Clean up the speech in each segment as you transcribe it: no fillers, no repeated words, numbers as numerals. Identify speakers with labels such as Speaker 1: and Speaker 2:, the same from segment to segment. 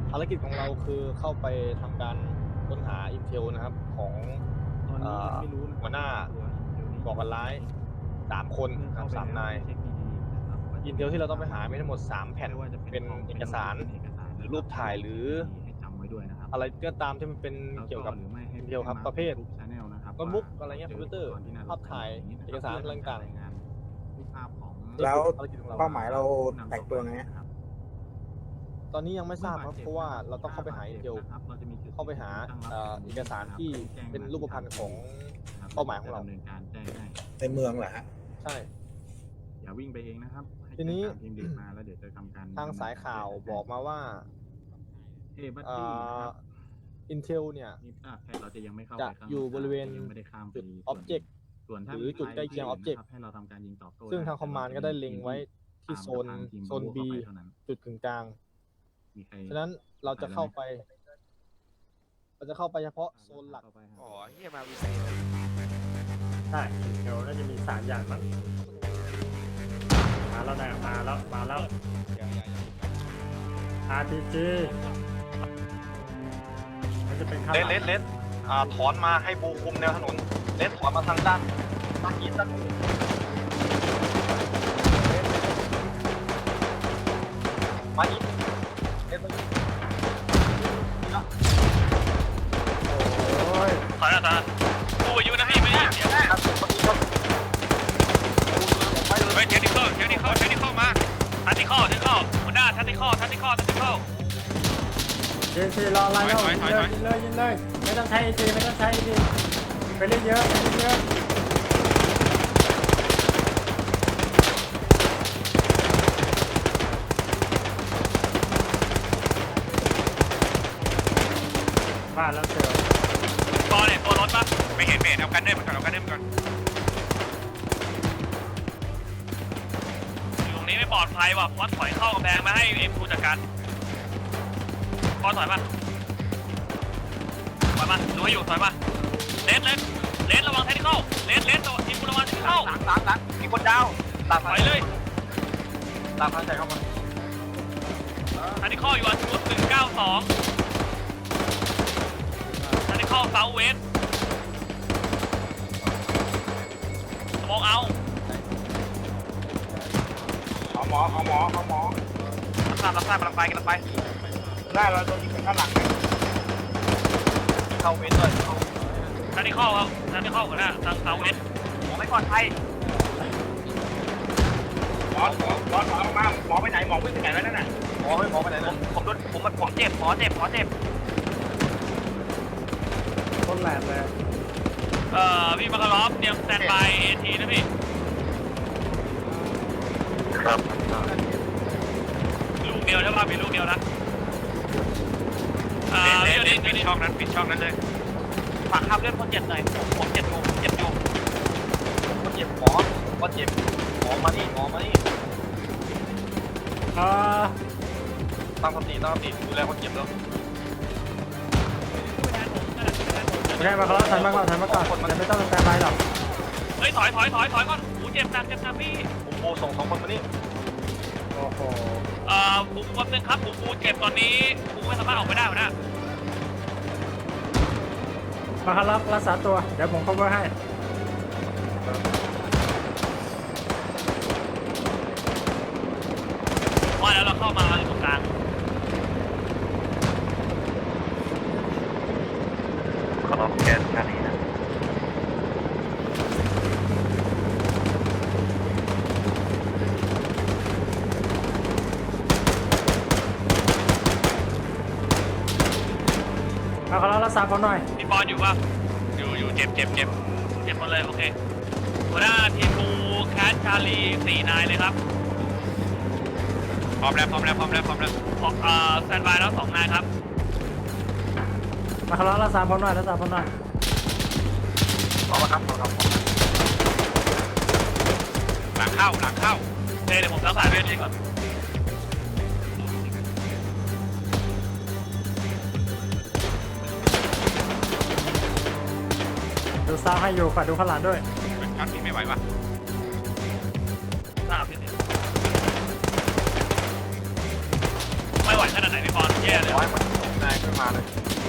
Speaker 1: ภารกิจของเราคือเข้าไปทำการค้นหาอินเทลนะครับของหัวหน้าก่อการร้าย3 คน3 นายอินเทลที่เราต้องไปหามีทั้งหมด3 แผ่นเป็นเอกสารหรือรูปถ่ายหรืออะไรก็ตามที่มันเป็นเกี่ยวกับอินเทลครับประเภทโน้ตบุ๊กอะไรเงี้ยคอมพิวเตอร์ภาพถ่ายเอกสารอะไรต่างๆ
Speaker 2: แล้วเป้าหมายเราแต่งตัวไง
Speaker 1: ตอนนี้ยังไม่ทราบครับเพราะว่าเราต้องเข้าไปหาอินเทลเข้าไปหาเอกสารที่เป็นรูปพรรณของเป้าหมายของเรา
Speaker 2: ในเมืองเหรอฮะ
Speaker 1: ใช่
Speaker 3: อย่าวิ่งไปเองนะครับ
Speaker 1: ทีนี้
Speaker 3: ทีมเด็กมาแล้วเดี๋ยวจะทำการ
Speaker 1: ทางสายข่าวบอกมาว่าอินเทลเนี่ย
Speaker 3: เราจะยังไม่เข้า
Speaker 1: จะอยู่บริเวณจุดอ็อบเจกต์หรือจุดใกล้เคียงอ็อบเจกต์ซึ่งทางคอมมานด์ก็ได้เล็งไว้ที่โซน B จุดกึ่งกลางฉะนั้นเราจะเข้าไปเฉพาะโซนหลัก
Speaker 4: อ๋อเฮียมาวิเศษ
Speaker 5: ใช่เดี๋ยวน่าจะมี3 อย่างมั้งมาแล้วนะมาแล้ว RPG มันจะเป็นข้างหลัง
Speaker 1: เลสถอนมาให้บูคุมแนวถนนเลสถอนมาทางด้านอีสต์มาอีกเลส
Speaker 5: โอ้ย
Speaker 4: ถอยนะกูอยู่นะพี่ไม่ได้เฮ้ยเทคนิคมาทันติคอหัวหน้าทันติคอ
Speaker 5: ยิงรอไล่แล้วยิงเลยไม่ต้องใช้ AG ไปเล่นเยอะบ้านแล้วเสือ
Speaker 4: ตอนเนี่ยตัวรถปะไม่เห็นเอากันเดินก่อนอยู่ตรงนี้ไม่ปลอดภัยว่ะวัดถอยเข้ากำแพงมาให้เอ็มคูจัดการพอถอยมาดูให้อยู่ถอยมาเลสระวังเทคนิคเลสตัวทีมระวังเทคนิค
Speaker 1: หลังมีคนดาว
Speaker 4: ถอยเลย
Speaker 1: ตามทางใจเข้ามา
Speaker 4: เทคนิคอยู่อันชุด192เทคนิคเซาเวสมองเอา
Speaker 2: หมอ
Speaker 4: รับทราบกำลังไป
Speaker 2: ได้เราโดนยิงข้างหลัง
Speaker 1: เข้าเวสด้วย
Speaker 4: เทคนิคครับเทคนิคก่อนนะทางเซาเวส
Speaker 1: ไม่ปลอดภัย
Speaker 2: หมอมาหมอไปไหนหมอวิ่งไปไหนแล้วนั่นน่ะ
Speaker 1: หมอไปไหนนะ
Speaker 4: ผมเจ็บ
Speaker 5: คนแหลมเลย
Speaker 4: พี่มาคารอฟเตรียมสแตนบายเอทีนะพี่
Speaker 2: ครับ
Speaker 4: ลูกเดียวใช่ป่ะมีลูกเดียวนะปิดช่องนั้นเลยฝากข้ามเรื่องคนเจ็บหน่อยผมเจ็บอยู่
Speaker 1: คนเจ็บหมอมานี่ตั้งสติดูแลคนเจ็บแล้ว
Speaker 5: โอเคมาแล้วถ่ายมาก่อนไม่ต้องแต่ไปหรอก
Speaker 4: เฮ้ยถอยก่อนหูเจ็บหนักพี่
Speaker 1: ปูส่ง2 คนมานี่
Speaker 5: โอ้โห
Speaker 4: ปูคนนึงครับปูเจ็บตอนนี้ปูไม่สามารถออกไปได้นะ
Speaker 5: มาครับรักษาตัวเดี๋ยวผมcoverให้
Speaker 4: ว่าแล้วเราเข้ามาอยู่ตรงกลาง
Speaker 2: ขอรับแก๊สแค่นี้นะ
Speaker 5: มาครับรักษาผมหน่อย
Speaker 4: พี่บอลอยู่ป่ะอยู่เจ็บหมดเลยโอเคหัวหน้าทีมบูแคทชาลี4 นายเลยครับพร้อมแล้วสแตนบายแล้ว2 นายครับ
Speaker 5: มาครับรักษาผมหน่อย
Speaker 1: พร้อมครับ
Speaker 4: หลังเข้าเดี๋ยวผมรักษาเวทีก่อน
Speaker 5: ดูซ้ายให้อยู่ฝากดูข้างหลังด้วย
Speaker 4: ครับพี่ไม่ไหวป่ะทราบพี่ไม่ไหวนะนาดไหนพี่บอลแย่เลย
Speaker 1: ร้อยมันนายขึ้นมาเลย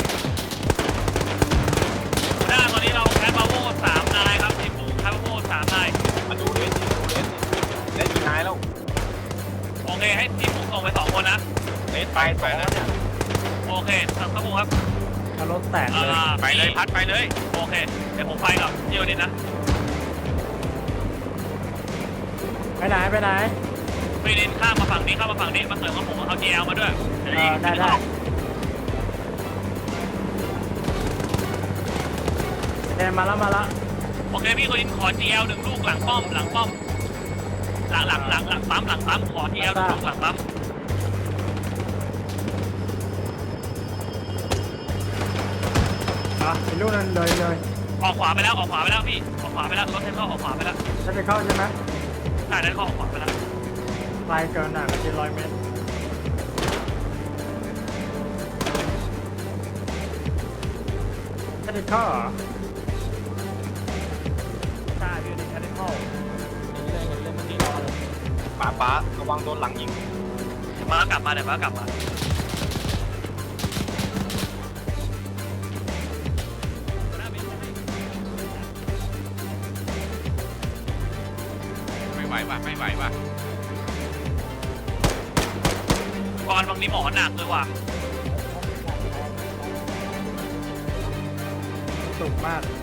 Speaker 4: หัวหน้าตอนนี้เราแคสบาโว3 นายครับทีมบูแคสบาโว3 นาย
Speaker 1: มาดูเลสได้กี่นายแล้ว
Speaker 4: โอเคให้ทีมบูส่งไป2 คนนะ
Speaker 1: เลสไปสองเนี่ย
Speaker 4: โอเคครับบูครับ
Speaker 5: ถ้ารถแตกเลย
Speaker 4: ไปเลยพัดไปเลยโอเคเดี๋ยวผมไปกับพี่โอนินนะ
Speaker 5: ไปไหนไปไหน
Speaker 4: พี่นินข้ามมาฝั่งนี้ข้ามมาฝั่งนี้มาเสริมกับผมเอา GL มาด้วย
Speaker 5: ได้เทมาแล้ว
Speaker 4: โอเคพี่โอนินขอ GL 1 ลูกหลังป้อมหลังปั๊มขอ GL 1 ลูกหลังปั๊ม
Speaker 5: เป็นลูกนั้นเลย
Speaker 4: ออกขวาไปแล้วพี่ออกขวาไปแล้วรถเทนเข้าออกขวาไปแล้ว
Speaker 5: จะไปเข้าใช่ไหม
Speaker 4: ใช่นั้นเข้าออกขวาไปแล้ว
Speaker 5: ไกลเกินอ่ะก็จะ100 เมตรจะไปเข้าเหรอใช่พี่จะไปเข้า
Speaker 1: เล่นเมื่อกี้รอเลยป๋าระวังโดนหลังยิง
Speaker 4: เดี๋ยวมากลับมา
Speaker 2: ไม่ไหวว่ะ
Speaker 4: ก่อนบางนี้หมอหนักเลยว่ะ
Speaker 5: สุกมาก